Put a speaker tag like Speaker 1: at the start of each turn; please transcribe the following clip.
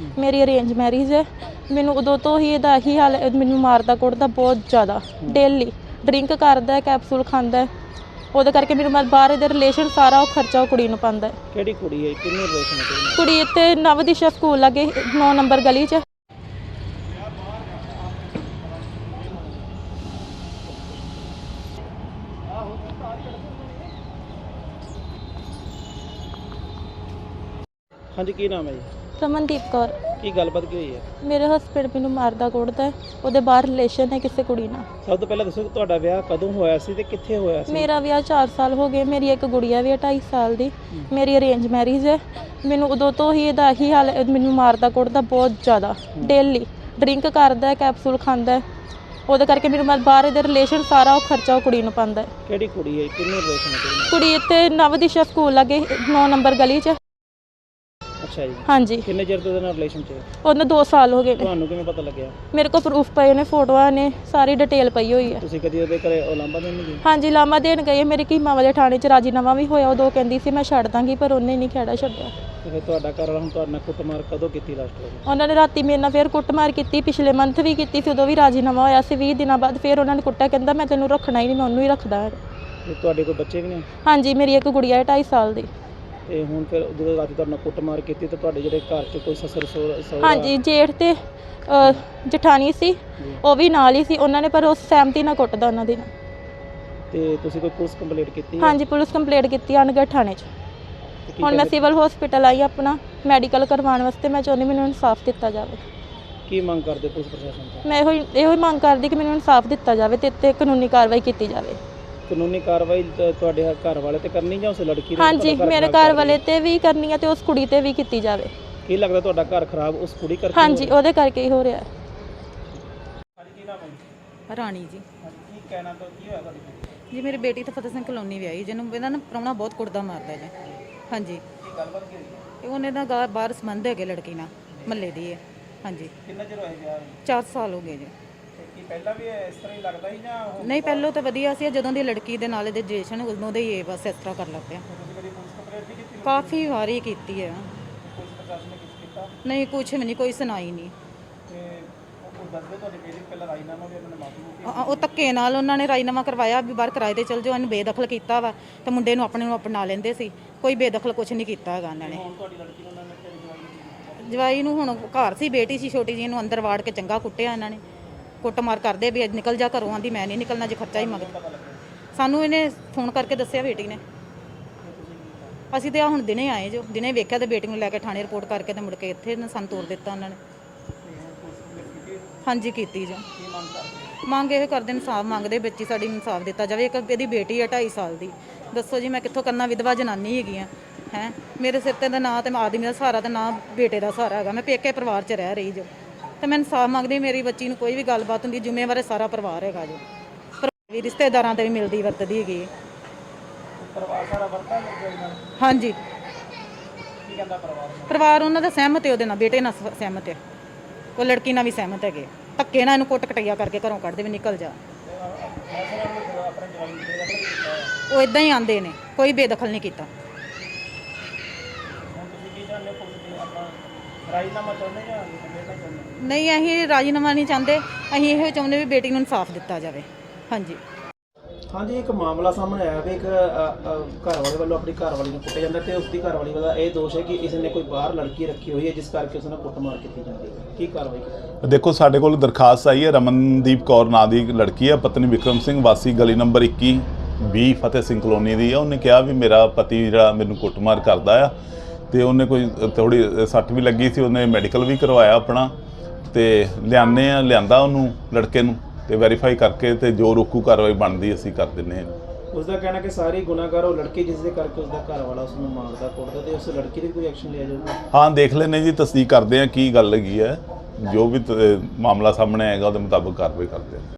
Speaker 1: ਮੇਰੀ arrange marriage ਹੈ। ਮੈਨੂੰ ਉਦੋਂ ਤੋਂ ਹੀ ਇਹਦਾ ਇਹੀ ਹਾਲ, ਮੈਨੂੰ ਮਾਰਦਾ ਕੁੱਟਦਾ ਬਹੁਤ ਜ਼ਿਆਦਾ। ਡੇਲੀ ਡਰਿੰਕ ਕਰਦਾ, ਕੈਪਸੂਲ ਖਾਂਦਾ, ਉਹਦੇ ਕਰਕੇ ਮੈਨੂੰ ਮੈਂ ਬਾਹਰ ਇਹਦੇ ਰਿਲੇਸ਼ਨ ਸਾਰਾ ਉਹ ਖਰਚਾ ਉਹ ਕੁੜੀ ਨੂੰ ਪਾਉਂਦਾ।
Speaker 2: ਕਿਹੜੀ ਕੁੜੀ ਹੈ, ਕਿੰਨੇ ਰਿਲੇਸ਼ਨ ਹੈ?
Speaker 1: ਕੁੜੀ ਇੱਥੇ ਨਵਦਿਸ਼ਾ ਸਕੂਲ ਲਾਗੇ 9 ਨੰਬਰ ਗਲੀ 'ਚ।
Speaker 2: ਹਾਂਜੀ, ਕੀ ਨਾਮ ਹੈ ਜੀ?
Speaker 1: ਰਮਨਦੀਪ ਕੌਰ।
Speaker 2: ਕੀ ਗੱਲਬਾਤ ਕੀ ਹੋਈ ਹੈ?
Speaker 1: ਮੇਰੇ ਹਸਬੈਂਡ ਮੈਨੂੰ ਮਾਰਦਾ ਕੁੱਟਦਾ, ਉਹਦੇ ਬਾਹਰ ਰਿਲੇਸ਼ਨ ਹੈ ਕਿਸੇ ਕੁੜੀ ਨਾਲ।
Speaker 2: ਸਭ ਤੋਂ ਪਹਿਲਾਂ ਦੱਸੋ ਕਿ ਤੁਹਾਡਾ ਵਿਆਹ ਕਦੋਂ ਹੋਇਆ ਸੀ ਤੇ ਕਿੱਥੇ ਹੋਇਆ ਸੀ?
Speaker 1: ਮੇਰਾ ਵਿਆਹ 4 ਸਾਲ ਹੋ ਗਏ। ਮੇਰੀ ਇੱਕ ਗੁੜੀਆ ਵੀ ਹੈ 2.5 ਸਾਲ ਦੀ। ਮੇਰੀ ਅਰੇਂਜ ਮੈਰਿਜ ਹੈ। ਮੈਨੂੰ ਉਦੋਂ ਤੋਂ ਹੀ ਇਹਦਾ ਇਹੀ ਹਾਲ, ਮੈਨੂੰ ਮਾਰਦਾ ਕੁੱਟਦਾ ਬਹੁਤ ਜ਼ਿਆਦਾ। ਡੇਲੀ ਡਰਿੰਕ ਕਰਦਾ, ਕੈਪਸੂਲ ਖਾਂਦਾ, ਉਹਦੇ ਕਰਕੇ ਮੈਨੂੰ ਮੈਂ ਬਾਹਰ ਇਹਦੇ ਰਿਲੇਸ਼ਨ ਸਾਰਾ ਉਹ ਖਰਚਾ ਉਹ ਕੁੜੀ ਨੂੰ ਪਾਉਂਦਾ।
Speaker 2: ਕਿਹੜੀ ਕੁੜੀ ਹੈ, ਕਿੰਨੇ ਰਿਲੇਸ਼ਨ ਹੈ?
Speaker 1: ਕੁੜੀ ਇੱਥੇ ਨਵਦਿਸ਼ਾ ਸਕੂਲ ਲਾਗੇ 9 ਨੰਬਰ ਗਲੀ 'ਚ।
Speaker 2: ਅੱਛਾ ਜੀ।
Speaker 1: ਹਾਂਜੀ।
Speaker 2: ਕਿੰਨੇ ਚਿਰ ਤੋਂ ਉਹਦੇ ਨਾਲ ਰਿਲੇਸ਼ਨ 'ਚ?
Speaker 1: ਉਹਨੂੰ 2 ਸਾਲ ਹੋ ਗਏ ਨੇ।
Speaker 2: ਤੁਹਾਨੂੰ ਕਿਵੇਂ ਪਤਾ ਲੱਗਿਆ?
Speaker 1: ਮੇਰੇ ਕੋਲ ਪ੍ਰੂਫ ਪਏ ਨੇ, ਫੋਟੋਆਂ ਨੇ, ਸਾਰੀ ਡਿਟੇਲ ਪਈ ਹੋਈ ਹੈ।
Speaker 2: ਤੁਸੀਂ ਕਦੀ ਉਹਦੇ ਘਰੇ ਉਲਾਂਭਾ ਦੇਣ ਨਹੀਂ ਗਏ?
Speaker 1: ਹਾਂਜੀ, ਲਾਮਾ ਦੇਣ ਗਏ। ਮੇਰੇ ਕੀਮਾ ਵਾਲੇ ਥਾਣੇ 'ਚ ਰਾਜੀਨਾਮਾ ਵੀ ਹੋਇਆ। ਉਦੋਂ ਕਹਿੰਦੀ ਸੀ ਮੈਂ ਛੱਡ ਦਾਂਗੀ, ਪਰ ਉਹਨੇ ਨਹੀਂ ਖਹਿੜਾ ਛੱਡਿਆ।
Speaker 2: ਤੇ ਫਿਰ ਤੁਹਾਡਾ ਘਰ ਵਾਲਾ ਹੁਣ ਤੁਹਾਡੇ ਨਾਲ ਕੁੱਟਮਾਰ ਕਦੋਂ ਕੀਤੀ ਲਾਸਟ?
Speaker 1: ਉਹਨਾਂ ਨੇ ਰਾਤੀ ਮੇਰੇ ਨਾਲ ਫਿਰ ਕੁੱਟਮਾਰ ਕੀਤੀ, ਪਿਛਲੇ ਮੰਥ ਵੀ ਕੀਤੀ ਸੀ, ਉਦੋਂ ਵੀ ਰਾਜੀਨਾਮਾ ਹੋਇਆ ਸੀ। 20 ਦਿਨਾਂ ਬਾਅਦ ਫਿਰ ਉਹਨਾਂ ਨੇ ਕੁੱਟਿਆ, ਕਹਿੰਦਾ ਮੈਂ ਤੈਨੂੰ ਰੱਖਣਾ ਹੀ ਨਹੀਂ, ਮੈਂ ਉਹਨੂੰ ਹੀ ਰੱਖਦਾ।
Speaker 2: ਤੇ ਤੁਹਾਡੇ ਕੋਈ ਬੱਚੇ ਵੀ ਨੇ?
Speaker 1: ਹਾਂਜੀ, ਮੇਰੀ ਇੱਕ ਗੁੜੀਆ ਹੈ 2.5 ਸਾਲ ਦੀ।
Speaker 2: ਤੇ ਹੁਣ ਫਿਰ ਜਦੋਂ ਰਾਤੀ ਤੁਹਾਡੇ ਨਾਲ ਕੁੱਟਮਾਰ ਕੀਤੀ ਤਾਂ ਤੁਹਾਡੇ ਜਿਹੜੇ ਘਰ 'ਚ ਕੋਈ ਸਸੁਰ ਸਹੁਰਾ?
Speaker 1: ਹਾਂਜੀ, ਜੇਠ ਤੇ ਜਠਾਣੀ ਸੀ, ਉਹ ਵੀ ਨਾਲ ਹੀ ਸੀ। ਉਹਨਾਂ ਨੇ ਪਰ ਉਸ ਸਹਿਮਤੀ ਨਾਲ ਕੁੱਟਦਾ ਉਹਨਾਂ ਦੀ।
Speaker 2: ਤੇ ਤੁਸੀਂ ਕੋਈ ਪੁਲਿਸ ਕੰਪਲੇਂਟ ਕੀਤੀ?
Speaker 1: ਹਾਂਜੀ, ਪੁਲਿਸ ਕੰਪਲੇਂਟ ਕੀਤੀ ਅਨਗੜ੍ਹ ਥਾਣੇ 'ਚ। ਹੁਣ ਮੈਂ ਸਿਵਲ ਹਸਪੀਟਲ ਆਈ ਆਪਣਾ ਮੈਡੀਕਲ ਕਰਵਾਉਣ ਵਾਸਤੇ। ਮੈਂ ਚਾਹੁੰਦੀ ਮੈਨੂੰ ਇਨਸਾਫ ਦਿੱਤਾ ਜਾਵੇ।
Speaker 2: ਕੀ ਮੰਗ ਕਰਦੇ ਪੁਲਿਸ ਪ੍ਰਸ਼ਾਸਨ ਤੋਂ?
Speaker 1: ਮੈਂ ਇਹੋ ਹੀ ਮੰਗ ਕਰਦੀ ਕਿ ਮੈਨੂੰ ਇਨਸਾਫ ਦਿੱਤਾ ਜਾਵੇ ਤੇ ਇੱਥੇ ਕਾਨੂੰਨੀ ਕਾਰਵਾਈ ਕੀਤੀ ਜਾਵੇ।
Speaker 2: ਕਾਨੂੰਨੀ ਕਾਰਵਾਈ ਤੁਹਾਡੇ ਘਰ ਵਾਲੇ ਤੇ ਕਰਨੀ ਜਾਂ ਉਸ ਲੜਕੀ ਦੇ?
Speaker 1: ਹਾਂਜੀ, ਮੇਰੇ ਘਰ ਵਾਲੇ ਤੇ ਵੀ ਕਰਨੀ ਹੈ ਤੇ ਉਸ ਕੁੜੀ ਤੇ ਵੀ ਕੀਤੀ ਜਾਵੇ।
Speaker 2: ਕੀ ਲੱਗਦਾ ਤੁਹਾਡਾ ਘਰ ਖਰਾਬ ਉਸ ਕੁੜੀ ਕਰਕੇ?
Speaker 1: ਹਾਂਜੀ, ਉਹਦੇ ਕਰਕੇ ਹੀ ਹੋ ਰਿਹਾ ਹੈ।
Speaker 2: ਕੀ ਨਾਮ ਹੈ?
Speaker 3: ਰਾਣੀ ਜੀ।
Speaker 2: ਕੀ ਕਹਿਣਾ ਤਾਂ ਕੀ ਹੋਇਆ ਤੁਹਾਡੀ?
Speaker 3: ਜੀ ਮੇਰੀ ਬੇਟੀ ਤਾਂ ਫਤਿਹ ਸਿੰਘ ਕਲੋਨੀ ਵਿਆਹੀ, ਜਿਹਨੂੰ ਇਹਦਾ ਨਾ ਪ੍ਰਾਹੁਣਾ ਬਹੁਤ ਕੁੱਟਦਾ ਮਾਰਦਾ ਜੀ। ਹਾਂਜੀ।
Speaker 2: ਕੀ ਗੱਲਬਾਤ ਕੀ ਹੋਈ?
Speaker 3: ਇਹ ਉਹਨੇ ਦਾ ਬਾਹਰ ਸੰਬੰਧ ਹੈਗੇ ਲੜਕੀ ਨਾਲ, ਮਹੱਲੇ ਦੀ ਹੈ। ਹਾਂਜੀ।
Speaker 2: ਕਿੰਨਾ ਚਿਰ ਹੋਇਆ ਵਿਆਹ ਨੂੰ?
Speaker 3: 4 ਸਾਲ ਹੋ ਗਏ ਜੀ।
Speaker 2: ਕੀ ਪਹਿਲਾਂ ਵੀ ਇਸ ਤਰ੍ਹਾਂ ਹੀ ਲੱਗਦਾ ਸੀ ਜਾਂ
Speaker 3: ਨਹੀਂ, ਪਹਿਲਾਂ ਤਾਂ ਵਧੀਆ ਸੀ। ਜਦੋਂ ਦੀ ਲੜਕੀ ਦੇ ਨਾਲ ਇਹਦੇ ਰਿਲੇਸ਼ਨ ਉਦੋਂ ਦੇ ਹੀ ਇਹ ਬਸ ਇਸ ਤਰ੍ਹਾਂ ਕਰ ਲੱਗ ਪਿਆ।
Speaker 2: ਤੁਸੀਂ ਕਦੀ ਪੁਲਿਸ ਕੰਪਲੇਂਟ ਨਹੀਂ ਕੀਤੀ?
Speaker 3: ਕਾਫੀ ਵਾਰੀ ਕੀਤੀ ਹੈ।
Speaker 2: ਪੁਲਿਸ ਪ੍ਰਸ਼ਾਸਨ ਨੇ ਕੁਝ ਕੀਤਾ?
Speaker 3: ਨਹੀਂ, ਕੁਛ ਵੀ ਨਹੀਂ, ਕੋਈ ਸੁਣਾਈ ਨਹੀਂ।
Speaker 2: ਤੇ ਉਹ ਦੱਸਦੇ ਤੁਹਾਡੇ ਬੇਟੀ ਪਹਿਲਾਂ ਰਾਜੀਨਾਮਾ ਵੀ ਉਹਨਾਂ ਨੇ ਮਾਫੀ
Speaker 3: ਉਹ ਧੱਕੇ ਨਾਲ ਉਹਨਾਂ ਨੇ ਰਾਜੀਨਾਮਾ ਕਰਵਾਇਆ ਵੀ ਬਾਹਰ ਕਿਰਾਏ ਤੇ ਚਲ ਜਾਓ। ਇਹਨੂੰ ਬੇਦਖਲ ਕੀਤਾ ਵਾ ਤੇ ਮੁੰਡੇ ਨੂੰ ਆਪਣੇ ਨੂੰ ਅਪਣਾ ਲੈਂਦੇ ਸੀ। ਕੋਈ ਬੇਦਖਲ ਕੁਛ ਨਹੀਂ ਕੀਤਾ ਹੈਗਾ ਉਹਨਾਂ ਨੇ।
Speaker 2: ਹੁਣ ਤੁਹਾਡੀ ਲੜਕੀ ਨੂੰ ਉਹਨਾਂ ਨੇ
Speaker 3: ਜਵਾਈ ਨੂੰ ਹੁਣ ਘਰ ਸੀ, ਬੇਟੀ ਸੀ ਛੋਟੀ ਜਿਹੀ, ਇਹਨੂੰ ਅੰਦਰ ਵਾੜ ਕੇ ਚੰਗਾ ਕੁੱਟਿਆ ਇਹਨਾਂ ਨੇ। ਕੁੱਟਮਾਰ ਕਰਦੇ ਵੀ ਅੱਜ ਨਿਕਲ ਜਾ ਘਰੋਂ, ਆਂਦੀ ਮੈਂ ਨਹੀਂ ਨਿਕਲਣਾ ਜੇ ਖਰਚਾ ਹੀ ਮੰਗਦਾ। ਸਾਨੂੰ ਇਹਨੇ ਫੋਨ ਕਰਕੇ ਦੱਸਿਆ ਬੇਟੀ ਨੇ। ਅਸੀਂ ਤੇ ਆ ਹੁਣ ਦਿਨੇ ਆਏ ਜੋ, ਦਿਨੇ ਵੇਖਿਆ ਤੇ ਬੇਟੀ ਨੂੰ ਲੈ ਕੇ ਥਾਣੇ ਰਿਪੋਰਟ ਕਰਕੇ ਤੇ ਮੁੜ ਕੇ ਇੱਥੇ ਸਾਨੂੰ ਤੋਰ ਦਿੱਤਾ ਉਹਨਾਂ ਨੇ। ਹਾਂਜੀ, ਕੀਤੀ ਜੋ। ਮੰਗ ਇਹ ਕਰਦੇ, ਇਨਸਾਫ ਮੰਗਦੇ, ਬੱਚੀ ਸਾਡੀ ਇਨਸਾਫ ਦਿੱਤਾ ਜਾਵੇ। ਇੱਕ ਇਹਦੀ ਬੇਟੀ ਹੈ 2.5 ਸਾਲ ਦੀ। ਦੱਸੋ ਜੀ ਮੈਂ ਕਿੱਥੋਂ ਕਰਨਾ? ਵਿਧਵਾ ਜਨਾਨੀ ਹੈਗੀ ਆ ਹੈ। ਮੇਰੇ ਸਿਰ ਤੇ ਦਾ ਨਾਂ ਤੇ ਆਦਮੀ ਦਾ ਸਹਾਰਾ ਤੇ ਨਾ ਬੇਟੇ ਦਾ ਸਹਾਰਾ ਹੈਗਾ। ਮੈਂ ਪੇਕੇ ਪਰਿਵਾਰ 'ਚ ਰਹਿ ਰਹੀ ਜੋ, ਤੇ ਮੈਂ ਇਨਸਾਫ ਮੰਗਦੀ। ਮੇਰੀ ਬੱਚੀ ਨੂੰ ਕੋਈ ਵੀ ਗੱਲਬਾਤ ਹੁੰਦੀ, ਜ਼ਿੰਮੇਵਾਰ ਸਾਰਾ ਪਰਿਵਾਰ ਹੈਗਾ ਜੋ। ਵੀ ਰਿਸ਼ਤੇਦਾਰਾਂ ਤੇ ਵੀ ਮਿਲਦੀ ਵਰਤਦੀ ਹੈਗੀ।
Speaker 2: ਪਰਿਵਾਰ ਸਾਰਾ ਵਰਤਾ ਲੱਗਿਆ?
Speaker 3: ਹਾਂਜੀ।
Speaker 2: ਕੀ ਕਹਿੰਦਾ ਪਰਿਵਾਰ?
Speaker 3: ਪਰਿਵਾਰ ਉਹਨਾਂ ਦਾ ਸਹਿਮਤ ਹੈ, ਉਹਦੇ ਨਾਲ ਬੇਟੇ ਨਾਲ ਸਹਿਮਤ ਹੈ, ਉਹ ਲੜਕੀ ਨਾਲ ਵੀ ਸਹਿਮਤ ਹੈਗੇ। ਧੱਕੇ ਨਾਲ ਇਹਨੂੰ ਕੁੱਟ ਕਟਈਆ ਕਰਕੇ ਘਰੋਂ ਕੱਢਦੇ ਵੀ ਨਿਕਲ ਜਾ। ਉਹ ਇਦਾਂ ਹੀ ਆਂਦੇ ਨੇ, ਕੋਈ ਬੇਦਖਲ ਨਹੀਂ ਕੀਤਾ।
Speaker 2: ਰਾਜੀਨਾਮਾ ਚਾਹੁੰਦੇ ਜਾਂ ਕੰਪਲੇਂਟ ਚਾਹੁੰਦੇ?
Speaker 3: ਨਹੀਂ, ਅਸੀਂ ਰਾਜੀਨਾਮਾ ਨਹੀਂ ਚਾਹੁੰਦੇ। ਅਸੀਂ ਇਹੋ ਚਾਹੁੰਦੇ ਵੀ ਬੇਟੀ ਨੂੰ ਇਨਸਾਫ ਦਿੱਤਾ ਜਾਵੇ। ਹਾਂਜੀ।
Speaker 2: ਹਾਂਜੀ, ਇੱਕ ਮਾਮਲਾ ਸਾਹਮਣੇ ਆਇਆ ਵੀ ਇੱਕ ਘਰ ਵਾਲੇ ਵੱਲੋਂ ਆਪਣੀ ਘਰ ਵਾਲੀ ਨੂੰ ਕੁੱਟਿਆ ਜਾਂਦਾ ਤੇ ਉਸ ਦੀ ਘਰ ਵਾਲੀ ਦਾ ਇਹ ਦੋਸ਼ ਹੈ ਕਿ ਇਸ ਨੇ ਕੋਈ ਬਾਹਰ ਲੜਕੀ ਰੱਖੀ ਹੋਈ ਹੈ ਜਿਸ ਕਰਕੇ ਉਸ ਨਾਲ ਕੁੱਟਮਾਰ ਕੀਤੀ ਜਾਂਦੀ ਹੈ। ਕੀ ਕਾਰਵਾਈ ਕੀਤੀ?
Speaker 4: ਦੇਖੋ, ਸਾਡੇ ਕੋਲ ਦਰਖਾਸਤ ਆਈ ਹੈ। ਰਮਨਦੀਪ ਕੌਰ ਨਾਂ ਦੀ ਲੜਕੀ ਹੈ, ਪਤਨੀ ਵਿਕਰਮ ਸਿੰਘ, ਵਾਸੀ ਗਲੀ ਨੰਬਰ 21B ਫਤਿਹ ਸਿੰਘ ਕਲੋਨੀ ਦੀ ਹੈ। ਉਹਨੇ ਕਿਹਾ ਵੀ ਮੇਰਾ ਪਤੀ ਜਿਹੜਾ ਮੈਨੂੰ ਕੁੱਟਮਾਰ ਕਰਦਾ ਆ, ਤੇ ਉਹਨੇ ਕੋਈ ਥੋੜੀ ਸੱਟ ਵੀ ਲੱਗੀ ਸੀ। ਉਹਨੇ ਮੈਡੀਕਲ ਵੀ ਕਰਵਾਇਆ ਆਪਣਾ, ਤੇ ਲਿਆਂਦਾ ਉਹਨੂੰ ਲੜਕੇ ਨੂੰ, ਤੇ ਵੈਰੀਫਾਈ ਕਰਕੇ ਤੇ ਜੋ ਰੋਕੂ ਕਾਰਵਾਈ ਬਣਦੀ ਅਸੀਂ ਕਰ ਦਿੰਦੇ ਹਾਂ।
Speaker 2: ਉਸ ਦਾ ਕਹਿਣਾ ਕਿ ਸਾਰੀ ਗੁਨਾਹਗਾਰ ਉਹ ਲੜਕੀ ਜਿਸ ਦੇ ਕਰਕੇ ਉਸ ਦਾ ਘਰ ਵਾਲਾ ਉਸ ਨੂੰ ਮਾਰਦਾ ਕੁੱਟਦਾ, ਤੇ ਉਸ ਲੜਕੀ ਦੇ ਕੋਈ ਐਕਸ਼ਨ ਲਿਆ ਜਾਊਗਾ?
Speaker 4: ਹਾਂ, ਦੇਖ ਲੈਂਦੇ ਜੀ, ਤਸਦੀਕ ਕਰਦੇ ਹਾਂ ਕੀ ਗੱਲ ਹੈਗੀ ਹੈ। ਜੋ ਵੀ ਮਾਮਲਾ ਸਾਹਮਣੇ ਆਏਗਾ ਉਹਦੇ ਮੁਤਾਬਕ ਕਾਰਵਾਈ ਕਰਦੇ ਹਾਂ।